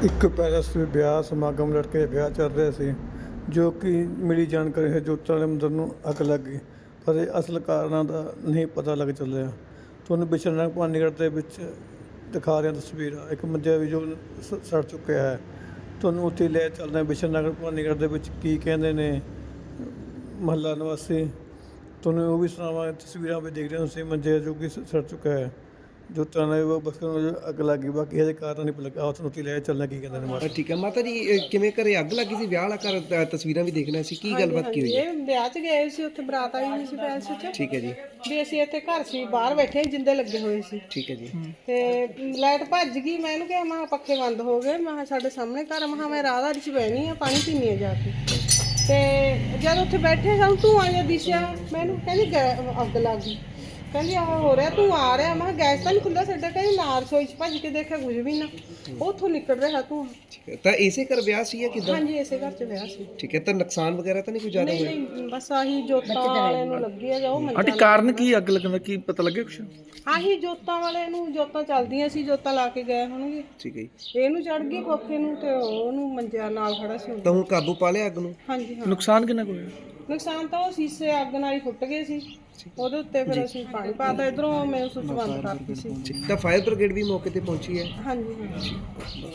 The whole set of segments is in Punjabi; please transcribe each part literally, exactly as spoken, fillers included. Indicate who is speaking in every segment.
Speaker 1: ਇੱਕ ਪੈਲਸ ਵਿੱਚ ਵਿਆਹ ਸਮਾਗਮ ਲੜਕੇ ਵਿਆਹ ਚੱਲ ਰਿਹਾ ਸੀ, ਜੋ ਕਿ ਮਿਲੀ ਜਾਣਕਾਰੀ ਹੈ ਜੋਤਾਂ ਵਾਲੇ ਮੰਦਰ ਨੂੰ ਅੱਗ ਲੱਗ ਗਈ, ਪਰ ਇਹ ਅਸਲ ਕਾਰਨਾਂ ਦਾ ਨਹੀਂ ਪਤਾ ਲੱਗ ਚੱਲਿਆ। ਤੁਹਾਨੂੰ ਬਿਸ਼ਨਗਰ ਭਵਾਨੀਗੜ੍ਹ ਦੇ ਵਿੱਚ ਦਿਖਾ ਰਿਹਾ ਤਸਵੀਰਾਂ। ਇੱਕ ਮੰਜਾ ਵੀ ਜੋ ਸ- ਸੜ ਚੁੱਕਿਆ ਹੈ। ਤੁਹਾਨੂੰ ਉੱਥੇ ਲੈ ਚੱਲਦੇ ਹਾਂ ਬਿਸ਼ਨਗਰ ਭਵਾਨੀਗੜ੍ਹ ਦੇ ਵਿੱਚ ਕੀ ਕਹਿੰਦੇ ਨੇ ਮਹੱਲਾ ਨਿਵਾਸੀ। ਤੁਹਾਨੂੰ ਉਹ ਵੀ ਸੁਣਾਵਾਂਗੇ। ਤਸਵੀਰਾਂ ਵੀ ਦੇਖ ਰਹੇ ਹੋ ਤੁਸੀਂ, ਮੰਜੇ ਜੋ ਕਿ ਸ- ਸੜ ਚੁੱਕਾ ਹੈ। ਜੋ ਤਰ੍ਹਾਂ ਉਹ ਬਸ ਅੱਗ ਲੱਗ ਗਈ, ਬਾਕੀ ਇਹਦੇ ਕਾਰਨ ਨਹੀਂ ਪਤਾ ਲੱਗਾ। ਤੁਹਾਨੂੰ ਉੱਥੇ ਲੈ ਚੱਲਣਾ ਕੀ ਕਹਿੰਦੇ ਨੇ ਮਾਤਾ।
Speaker 2: ਠੀਕ ਹੈ ਮਾਤਾ ਜੀ, ਇਹ ਕਿਵੇਂ ਘਰੇ ਅੱਗ ਲੱਗੀ ਸੀ? ਵਿਆਹ ਵਾਲਾ ਘਰ, ਤ- ਤਸਵੀਰਾਂ ਵੀ ਦੇਖਣਾ ਸੀ, ਕੀ ਗੱਲਬਾਤ ਕੀ ਹੋਈ ਹੈ?
Speaker 3: ਇਹ ਵਿਆਹ 'ਚ ਗਏ ਸੀ, ਉੱਥੇ ਬਰਾਤ ਆਈ ਹੋਈ ਸੀ ਪੈਲਸ 'ਚ।
Speaker 2: ਠੀਕ ਹੈ ਜੀ।
Speaker 3: ਵੀ ਅਸੀਂ ਇੱਥੇ ਘਰ ਸੀ, ਬਾਹਰ ਬੈਠੇ ਜਿੰਦੇ ਲੱਗੇ ਹੋਏ ਸੀ।
Speaker 2: ਠੀਕ ਹੈ ਜੀ।
Speaker 3: ਤੇ ਲਾਈਟ ਭੱਜ ਗਈ। ਮੈਂ ਇਹਨੂੰ ਕਿਹਾ, ਮੈਂ ਪੱਖੇ ਬੰਦ ਹੋ ਗਏ। ਮੈਂ ਕਿਹਾ ਸਾਡੇ ਸਾਹਮਣੇ ਘਰ, ਮੈਂ ਕਿਹਾ ਮੈਂ ਰਾਧਾਰੀ 'ਚ ਬਹਿਣੀ ਆ, ਪਾਣੀ ਪੀਣੀ ਆ ਜਾ ਕੇ। ਤੇ ਜਦ ਉੱਥੇ ਬੈਠੇ ਸਾਨੂੰ ਧੂੰਆਂ ਜਿਹਾ ਦਿਸਿਆ। ਮੈਨੂੰ ਕਹਿੰਦੀ ਗੈ- ਅੱਗ ਲੱਗ ਗਈ। ਕਹਿੰਦੀ ਆਹ ਹੋ ਰਿਹਾ, ਤੂੰ ਆ ਰਿਹਾ। ਮੈਂ ਕਿਹਾ ਗੈਸ ਤਾਂ ਨਹੀਂ ਖੁੱਲ੍ਹਾ ਸਾਡਾ। ਕਹਿੰਦੀ ਨਾ ਰਸੋਈ 'ਚ ਭੱਜ ਕੇ ਦੇਖਿਆ, ਕੁਝ ਵੀ ਨਾ, ਉੱਥੋਂ ਨਿਕਲ ਰਿਹਾ ਤੂੰ।
Speaker 2: ਠੀਕ ਹੈ, ਤਾਂ ਇਸੇ ਘਰ ਵਿਆਹ ਸੀ ਜਾਂ ਕਿਦਾਂ?
Speaker 3: ਹਾਂਜੀ, ਇਸੇ ਘਰ 'ਚ ਵਿਆਹ ਸੀ।
Speaker 2: ਠੀਕ ਹੈ, ਤਾਂ ਨੁਕਸਾਨ ਵਗੈਰਾ ਤਾਂ ਨਹੀਂ ਕੋਈ ਜ਼ਿਆਦਾ
Speaker 3: ਨਹੀਂ
Speaker 2: ਹੋਇਆ?
Speaker 3: ਨਹੀਂ, ਬਸ ਆਹੀ ਜੋਤਾਂ ਵਾਲੇ ਨੂੰ ਲੱਗੀ ਆ, ਜੋ ਮੰਜਾ
Speaker 4: ਆਂਟੀ ਕਾਰਨ ਕੀ ਅੱਗ ਲੱਗਣ ਦਾ ਕੀ ਪਤਾ ਲੱਗਿਆ ਕੁਛ?
Speaker 3: ਆਹੀ ਜੋਤਾਂ ਵਾਲੇ ਨੂੰ, ਜੋਤਾਂ ਚੱਲਦੀਆਂ ਸੀ, ਜੋਤਾਂ ਲਾ ਕੇ ਗਏ ਹੋਣਗੇ।
Speaker 2: ਠੀਕ ਹੈ ਜੀ।
Speaker 3: ਇਹਨੂੰ ਚੜ ਗਈ ਖੋਖੇ ਨੂੰ, ਤੇ ਉਹਨੂੰ ਮੰਜਿਆ ਨਾਲ ਖੜਾ ਸੀ।
Speaker 2: ਤਾਂ ਹੁਣ ਕਾਬੂ ਪਾ ਲਿਆ ਅੱਗ ਨੂੰ?
Speaker 3: ਹਾਂਜੀ ਹਾਂ।
Speaker 4: ਨੁਕਸਾਨ ਕਿੰਨਾ ਕੁ ਹੋਇਆ?
Speaker 3: ਨੁਕਸਾਨ ਤਾਂ ਉਹ ਸ਼ੀਸ਼ੇ ਅੱਗ ਨਾਲ ਹੀ ਫੁੱਟ ਗਏ ਸੀ। ਉਹਦੇ ਉੱਤੇ ਫਿਰ ਅਸੀਂ ਪਾਣੀ ਪਾਤਾ। ਇਧਰੋਂ ਮੈਂ ਸੁੱਚ ਬੰਦ ਕਰਤੀ ਸੀ।
Speaker 2: ਠੀਕ, ਤਾਂ ਫਾਇਰ ਬ੍ਰਿਗੇਡ ਵੀ ਮੌਕੇ ਤੇ ਪਹੁੰਚੀ ਹੈ?
Speaker 3: ਹਾਂਜੀ ਹਾਂ।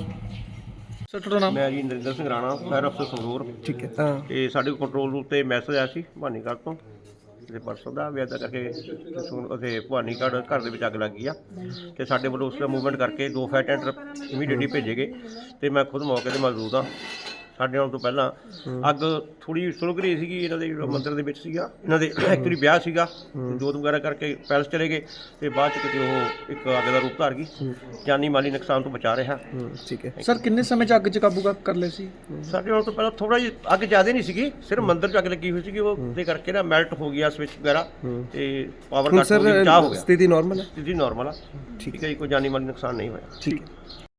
Speaker 4: ਸਰ ਤੁਹਾਡਾ ਨਾਮ?
Speaker 5: ਮੈਂ ਜੀ ਨਰਿੰਦਰ ਸਿੰਘ ਰਾਣਾ, ਫਾਇਰ ਅਫਸਰ ਸੰਗਰੂਰ।
Speaker 2: ਠੀਕ ਹੈ। ਤਾਂ
Speaker 5: ਤੇ ਸਾਡੇ ਕੋਲ ਕੰਟਰੋਲ ਰੂਮ ਤੇ ਮੈਸੇਜ ਆਇਆ ਸੀ ਭਵਾਨੀਗੜ੍ਹ ਤੋਂ, ਤੇ ਪਰਸੋਂ ਦਾ ਵੀ ਇੱਦਾਂ ਕਰਕੇ ਉੱਥੇ ਭਵਾਨੀਗੜ੍ਹ ਘਰ ਦੇ ਵਿੱਚ ਅੱਗ ਲੱਗ ਗਈ ਆ। ਤੇ ਸਾਡੇ ਵੱਲੋਂ ਉਸ ਦਾ ਮੂਵਮੈਂਟ ਕਰਕੇ ਦੋ ਫਾਇਰ ਟੈਂਡਰ ਇਮੀਡੀਏਟਲੀ ਭੇਜੇ ਗਏ, ਤੇ ਮੈਂ ਖੁਦ ਮੌਕੇ ਤੇ ਮੌਜੂਦ ਹਾਂ। ਸਾਡੇ ਆਉਣ ਤੋਂ ਪਹਿਲਾਂ ਅੱਗ ਥੋੜੀ ਸੁਲਗ ਰਹੀ ਸੀਗੀ। ਇਹਨਾਂ ਦੇ ਮੰਦਿਰ ਦੇ ਵਿੱਚ ਸੀਗਾ, ਇਹਨਾਂ ਦੇ ਐਕਚੁਅਲੀ ਵਿਆਹ ਸੀਗਾ। ਜੋਤ ਵਗੈਰਾ ਕਰਕੇ ਪੈਲਸ ਚਲੇ ਗਏ, ਤੇ ਬਾਅਦ ਚ ਕਿਤੇ ਉਹ ਇੱਕ ਅੱਗ ਦਾ ਰੂਪ ਧਾਰ ਗਈ। ਜਾਨੀ ਮਾਲੀ ਨੁਕਸਾਨ ਤੋਂ ਬਚਾ ਰਿਹਾ।
Speaker 2: ਠੀਕ ਹੈ।
Speaker 4: ਸਰ ਕਿੰਨੇ ਸਮੇਂ ਚ ਅੱਗ ਚ ਕਾਬੂ ਕਰ ਲਿਆ ਸੀ?
Speaker 5: ਸਾਡੇ ਆਉਣ ਤੋਂ ਪਹਿਲਾਂ ਥੋੜਾ ਜਿਹਾ ਅੱਗ ਜ਼ਿਆਦਾ ਨਹੀਂ ਸੀਗੀ, ਸਿਰਫ ਮੰਦਿਰ 'ਚ ਅੱਗ ਲੱਗੀ ਹੋਈ ਸੀਗੀ। ਉਹ ਦੇ ਕਰਕੇ ਨਾ ਮੈਲਟ ਹੋ ਗਿਆ ਸਵਿਚ ਵਗੈਰਾ, ਤੇ ਪਾਵਰ
Speaker 2: ਹੁਣ
Speaker 5: ਕੱਟ ਹੋ ਗਿਆ,
Speaker 2: ਸਰ
Speaker 5: ਚਾਹ ਹੋ ਗਿਆ।
Speaker 2: ਸਥਿਤੀ ਨਾਰਮਲ ਹੈ?
Speaker 5: ਸਥਿਤੀ ਨਾਰਮਲ ਆ। ਠੀਕ ਹੈ ਜੀ, ਕੋਈ ਜਾਨੀ ਮਾਲੀ ਨੁਕਸਾਨ ਨਹੀਂ ਹੋਇਆ।
Speaker 2: ਠੀਕ ਹੈ।